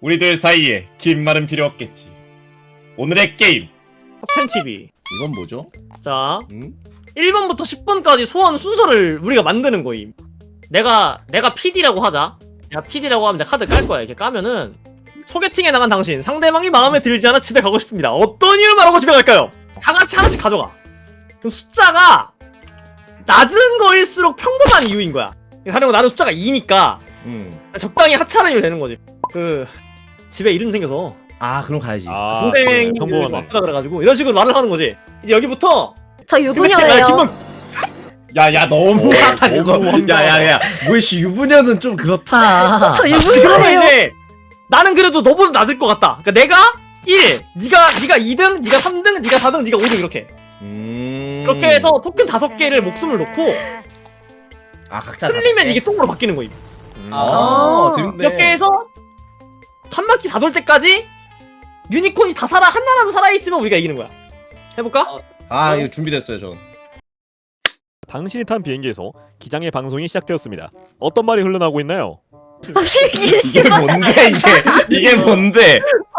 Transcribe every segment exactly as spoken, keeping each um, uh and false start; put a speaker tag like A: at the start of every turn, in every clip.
A: 우리들 사이에 긴 말은 필요 없겠지. 오늘의 게임
B: 탑텐 티비.
A: 이건 뭐죠?
B: 자,
A: 응?
B: 일 번부터 십 번까지 소환 순서를 우리가 만드는 거임. 내가 내가 피디라고 하자. 내가 피디라고 하면 내가 카드 깔 거야. 이렇게 까면은 소개팅에 나간 당신, 상대방이 마음에 들지 않아 집에 가고 싶습니다. 어떤 이유를 말하고 집에 갈까요? 다 같이 하나씩 가져가. 그럼 숫자가 낮은 거일수록 평범한 이유인 거야. 사령은 나는 숫자가 이니까
A: 응.
B: 적당히 하찮으면 되는 거지. 그 집에 이름 생겨서
A: 아 그럼 가야지.
C: 아,
B: 동생이
C: 평범하네.
B: 왔다 그래가지고 이런 식으로 말을 하는 거지. 이제 여기부터
D: 저
B: 야,
D: 유부녀예요.
B: 김범
A: 야야 너무하다 그거.
C: 너무 황당하다.
A: 야야야. 뭐씨 유부녀는 좀 그렇다.
D: 저
B: 그러면
D: 유부녀예요.
B: 이제 나는 그래도 너보다 낮을 것 같다. 그러니까 내가 일, 네가 네가 이 등, 네가 삼 등, 네가 사 등, 네가 오 등 이렇게.
A: 음.
B: 그렇게 해서 토큰 다섯 개를 목숨을 놓고
A: 아 각자
B: 쓸리면 이게 똥으로 바뀌는 거임.
A: 아,
D: 아.
A: 재밌네.
B: 이렇게 해서 한 바퀴 다 돌 때까지 유니콘이 다 살아 하나라도 살아 있으면 우리가 이기는 거야. 해볼까?
E: 어.
A: 아 이거 준비됐어요 전.
C: 당신이 탄 비행기에서 기장의 방송이 시작되었습니다. 어떤 말이 흘러나오고 있나요?
D: 이게
A: 이게 뭔데 이게 이게 뭔데?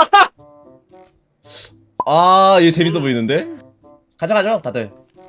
A: 아 이거 재밌어 보이는데? 가자 가자 다들.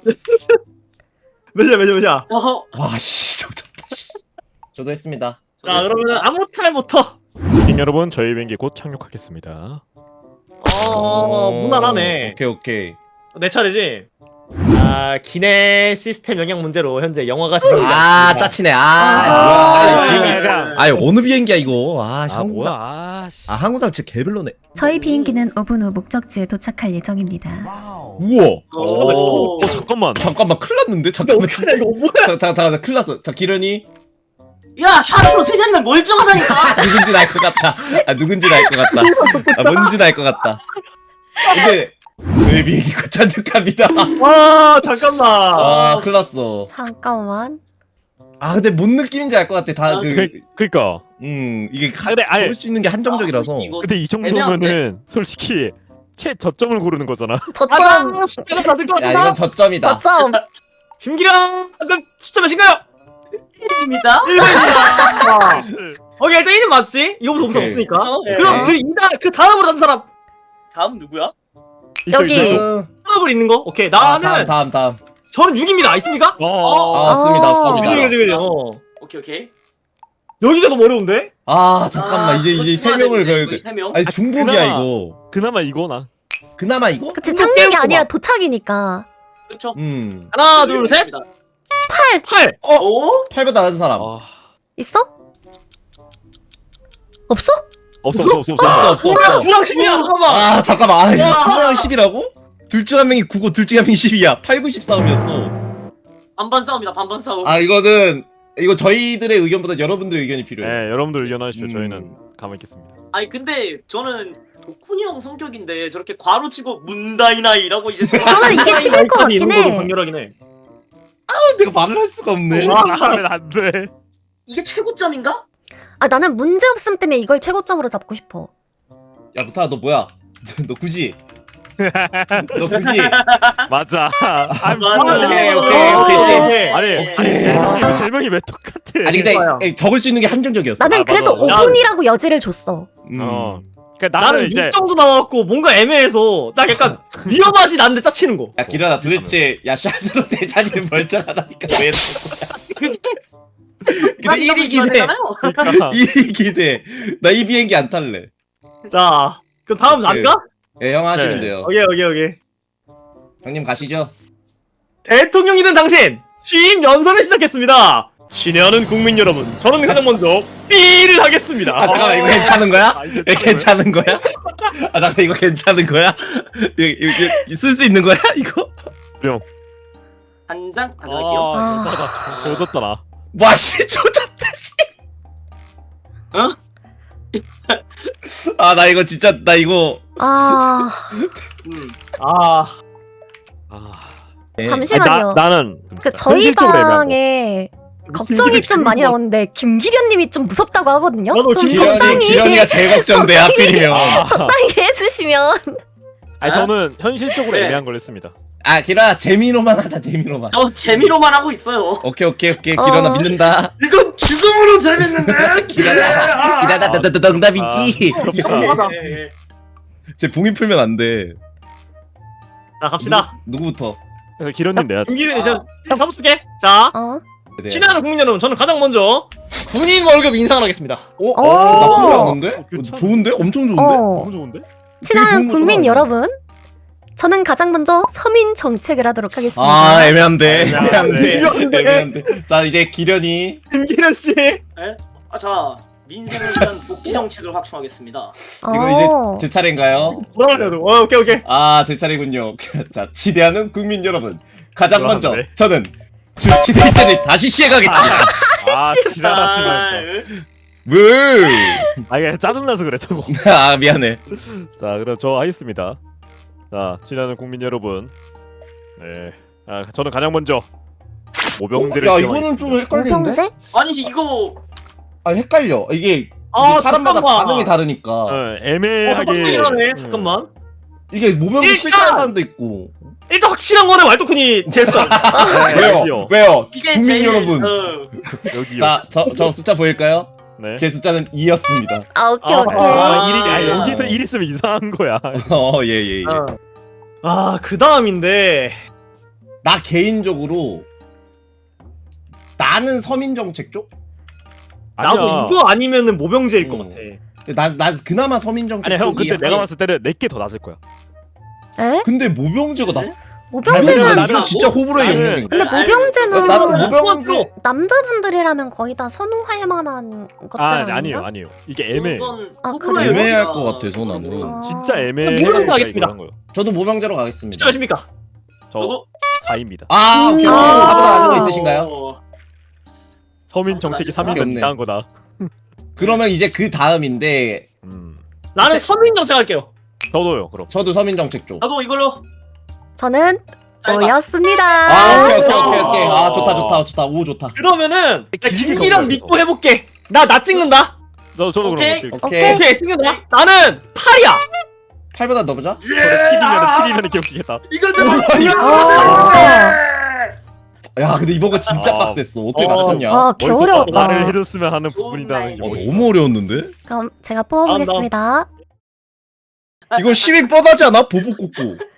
B: 몇이야 몇이야 몇이야.
E: 어허.
A: 와씨 좋다. 저도 했습니다.
B: 자 그러면 아무 탈부터.
C: 시민 여러분, 저희 비행기 곧 착륙하겠습니다.
B: 어 무난하네.
A: 오케이 오케이.
B: 내 차례지. 아 기내 시스템 영향 문제로 현재 영화가 진행되고
A: 아
B: 있습니다.
A: 짜치네. 아,
D: 아,
A: 뭐야, 이
C: 아,
A: 비행기.
C: 아,
A: 아니 어느 비행기야 이거? 아,
C: 아
A: 항공사.
C: 뭐야? 아, 씨.
A: 아 항공사 진짜 개별로네.
F: 저희 비행기는 오 분 후 목적지에 도착할 예정입니다.
A: 우와.
E: 오.
C: 어 잠깐만.
A: 잠깐만 큰일 났는데?
B: 근데
A: 잠깐만.
B: 어떡하냐 이거 뭐야?
A: 자, 자, 자, 큰일 났어. 자, 기련이
E: 야, 샤프로 세 잔이면 멀쩡하다니까.
A: 누군지 알 것 같다. 아, 누군지 알 것 같다. 아, 뭔지 알 것 같다. 근데 저희 비행기 곧 착륙합니다.
B: 와 잠깐만.
A: 아, 큰일 났어.
D: 잠깐만.
A: 아, 근데 뭔 느낌인지 알 것 같아. 다
E: 아,
A: 그,
C: 그, 그니까.
A: 음, 이게 가,
C: 근데 아니,
A: 잡을 수 있는 게 한정적이라서.
E: 아, 이거
C: 근데 이 정도면은 솔직히 최저점을 고르는 거잖아.
D: 저점.
B: 아 숫자가 낮을 것
A: 야,
B: 같다.
A: 이건 저점이다.
D: 저점.
B: 김기랑 방금 숫자 몇인가요?
E: 입니다.
B: 일 번입니다. 오케이 일단 일은 맞지? 이거부터 없어
A: 오케이.
B: 없으니까.
E: 어, 네.
B: 그럼 그 이다 그 다음으로 다른 사람
E: 다음 누구야?
D: 여기.
A: 어,
B: 다음으로 있는 거. 오케이
A: 아,
B: 나는
A: 다음, 다음, 다음.
B: 저는 육입니다. 있습니까?
C: 어.
A: 아, 없습니다.
D: 아.
A: 없습니다.
B: 그지 그지 그지. 어.
E: 오케이 오케이.
B: 여기가 너무 어려운데?
A: 아, 잠깐만. 이제, 이제 세 명을 배워야 돼.
E: 세 명.
A: 아니, 중복이야,
C: 그나마-
A: 이거.
C: 그나마 이거나.
A: 그나마 이거?
D: 그치,
B: 이거
D: 착륙이
B: 깨우고
D: 아니라
B: 봐.
D: 도착이니까.
E: 그쵸?
A: 음.
B: 하나 둘 셋. 팔.
E: 오?
A: 팔보다 낮은 사람.
C: 아,
D: 있어? 없어?
C: 없어 없어 없어 없어.
A: 없어, 없어,
B: 뭐야
A: 없어.
B: 구랑 십이야 잠깐만.
A: 아 잠깐만. 아 이거 구랑 십이라고? 둘 중 한 명이 구고 둘 중 한 명이 십이야. 팔, 구, 십 싸움이었어.
E: 반반 싸움이다. 반반 싸움.
A: 아 이거는 이거 저희들의 의견보다 여러분들의 의견이 필요해.
C: 네, 여러분들 의견하십시오.
A: 음.
C: 저희는 가만히 있겠습니다.
E: 아니 근데 저는 도쿠니 형 성격인데 저렇게 괄호치고 문다이나이라고 이제 저런-
D: 저는 이게 십일 것 같긴
B: 이런 거도
D: 해.
B: 강렬하긴 해.
A: 내가 말을 할 수가 없네.
B: 와.
C: 하면 안 돼.
E: 이게 최고점인가?
D: 아, 나는 문제 없음 때문에 이걸 최고점으로 잡고 싶어.
A: 야 부타 너 뭐야? 너 굳이? 너 굳이?
C: 맞아. 아,
E: 맞아.
A: 오케이 오케이 오케이 씨.
B: 오케이.
C: 아니, 아니 세 명이 세 명이 왜 똑같아?
A: 아니 근데
B: 좋아요.
A: 에, 적을 수 있는 게 한정적이었어.
D: 나는
C: 아,
D: 그래서
C: 맞아.
D: 오 분이라고 여지를 줬어.
A: 음.
C: 어. 그러니까 나는,
B: 나는
C: 이제
B: 육 정도 나왔고 뭔가 애매해서 딱 약간 위험하지 않는데 짜치는 거.
A: 야 기련아 도대체 야 샷으로 세 자리를 멀쩡하다니까 왜? 근데 일이긴 해.
E: 되잖아요.
C: 그러니까
A: 일이긴 해. 나 이 비행기 안 탈래.
B: 자 그럼 다음 난가?
A: 예, 형 하시면
C: 네.
A: 돼요.
B: 오케이 오케이 오케이.
A: 형님 가시죠.
B: 대통령이 된 당신 취임 연설을 시작했습니다. 친애하는 국민 여러분, 저는 가장 먼저 삐를 하겠습니다.
A: 아 잠깐만 이거 괜찮은 거야?
C: 아, 이게
A: 이거 괜찮은 거야? 아 잠깐 이거 괜찮은 거야? 이거, 이거 쓸 수 있는 거야 이거?
E: 한 장 가져갈게요.
C: 아, 진짜 나 조졌다 나.
A: 와씨 조졌다
E: 어?
A: 아나 이거 진짜 나 이거
D: 아,
E: 음.
B: 아
C: 아.
D: 잠시만요.
C: 아니, 나, 나는
D: 그 저희
C: 현실적으로 애매한 거.
D: 방에 걱정이 좀 많이 나오는데 김기련님이 좀 무섭다고 하거든요.
B: 나도
D: 좀
B: 김기련이-
A: 기련이
D: 적당히
A: 기련이가 제일 걱정돼 하필이면.
C: 아.
D: 적당히 해주시면.
C: 아니 저는 현실적으로
E: 네.
C: 애매한 걸 했습니다.
A: 아 기라 재미로만 하자 재미로만.
E: 저 재미로만 하고 있어요.
A: 오케이 오케이 오케이 기라나
D: 어.
A: 믿는다.
E: 이건 죽음으로 재밌는데.
A: 기라나 기라나 농담이지.
C: 부럽다.
E: 예, 예.
A: 제 봉인 풀면 안 돼.
B: 자 갑시다.
A: 누구, 누구부터?
C: 그래서 기련님 내야지.
B: 김기련이 저 잡아줄게. 자
D: 어?
A: 네.
B: 친애하는 국민 여러분, 저는 가장 먼저 군인 월급 인상을 하겠습니다.
A: 어?
D: 어.
A: 어? 나쁘지 않은데?
C: 어, 괜찮아.
A: 좋은데? 엄청 좋은데?
D: 어.
C: 너무 좋은데?
D: 친한
A: 좋은 거
D: 국민
A: 좋아하네.
D: 여러분, 저는 가장 먼저 서민 정책을 하도록 하겠습니다.
A: 아 애매한데
C: 애매한데.
A: 애매한데 애매한데. 자 이제 기련이.
B: 김기련 씨.
E: 아, 자 민생을 위한 복지 정책을 확충하겠습니다.
A: 이거
D: 어.
A: 이제 제 차례인가요?
B: 뭐라 그래도. 어, 오케이 오케이.
A: 아 제 차례군요. 자 지대하는 국민 여러분, 가장 먼저
C: 그러네.
A: 저는 주치대제를 다시 시행하겠습니다.
C: 아 지랄하지
E: 아,
C: 말자.
E: 예.
A: 왜?
C: 아 이게 짜증나서 그래 저거.
A: 아 미안해.
C: 자 그럼 저 하겠습니다. 자 친하는 국민 여러분. 네. 아 저는 가장 먼저 모병제를
A: 야
C: 시행하겠습니다.
A: 이거는 좀 헷갈리는데?
D: 모병제?
E: 아니 이거
A: 아 헷갈려. 이게,
B: 아,
A: 이게 사람마다
B: 잠깐만.
A: 반응이 다르니까.
C: 어,
B: 어,
C: 애매하게.
B: 빡세긴 하네.
C: 음.
B: 잠깐만.
A: 이게 모병이
B: 일단!
A: 싫다는 사람도 있고.
B: 일단 확실한 거는 왈도쿤이 제일 써.
C: 네,
A: 왜요?
C: 여기요.
A: 왜요?
E: 이게
A: 국민
E: 제일
A: 여러분.
E: 어,
C: 여기요.
A: 자, 저, 저 숫자 보일까요?
C: 네.
A: 제 숫자는 이였습니다.
D: 아, 오케이,
C: 아,
D: 오케이.
C: 아, 일이, 아,
E: 아.
C: 여기서 일 있으면 이상한 거야.
A: 어, 예, 예, 예.
B: 어. 아, 그 다음인데.
A: 나 개인적으로 나는 서민 정책 쪽?
B: 나도
C: 아니야.
B: 이거 아니면은 모병제일 것
A: 어.
B: 같아.
A: 나, 나 그나마 서민 정책
C: 아니 형
A: 쪽이
C: 근데 내가
A: 한-
C: 봤을 때는 내게 더 낮을 거야.
D: 에?
A: 근데 모병제가 나?
D: 모병제는
C: 나는-
A: 이거 진짜 호불호의
C: 나는-
A: 영역인
D: 근데
E: 아니,
D: 모병제는
A: 나도 모병제
B: 소환도.
D: 남자분들이라면 거의 다 선호할 만한 것들
C: 아
D: 아닌가?
C: 아니에요 아니에요. 이게 애매.
E: 그건
D: 아,
E: 호불호의
D: 그래요?
A: 애매할
E: 영역이야.
A: 것 같아, 저는.
E: 호불호.
D: 아.
C: 진짜 애매해.
B: 모병제 하겠습니다.
A: 저도 모병제로 가겠습니다.
B: 진짜 몇입니까?
C: 저
E: 저도
C: 사입니다.
A: 아, 오케이.
D: 음.
A: 오케이.
D: 아.
A: 나보다 아는 거 있으신가요?
E: 어,
C: 서민 정책이 삼 위면
A: 없네.
C: 이상한 거다.
A: 그러면 이제 그 다음인데
C: 음.
B: 나는
A: 진짜-
B: 서민 정책 할게요.
C: 저도요 그럼.
A: 저도 서민 정책 쪽.
E: 나도 이걸로
D: 저는
E: 짧아.
D: 오였습니다.
A: 아, 오케이, 오케이, 오케이, 오케이. 아, 좋다, 좋다, 좋다. 오, 좋다.
B: 그러면은 나
C: 길게
B: 김기련
C: 정리하면서.
B: 믿고 해볼게. 나 나 찍는다.
C: 저 저도
E: 오케이.
C: 그럼.
A: 오케이.
B: 오케이 찍는다. 나는 팔이야.
A: 팔보다 넣어보자.
C: 저도 칠이면 칠이면 기억이겠다.
E: 이걸 좀
D: 어.
A: 야, 근데 이번 거 진짜
C: 아.
A: 빡셌어. 어떻게
B: 어.
A: 맞췄냐?
D: 아, 개
C: 어디서
D: 어려웠다.
C: 말을 해줬으면 하는
E: 좋은
C: 부분이다는 게
E: 날.
C: 멋있다.
A: 어려웠는데?
D: 그럼 제가 뽑아보겠습니다.
A: 이거 시민 뻔하지 않아? 보복 꽂고.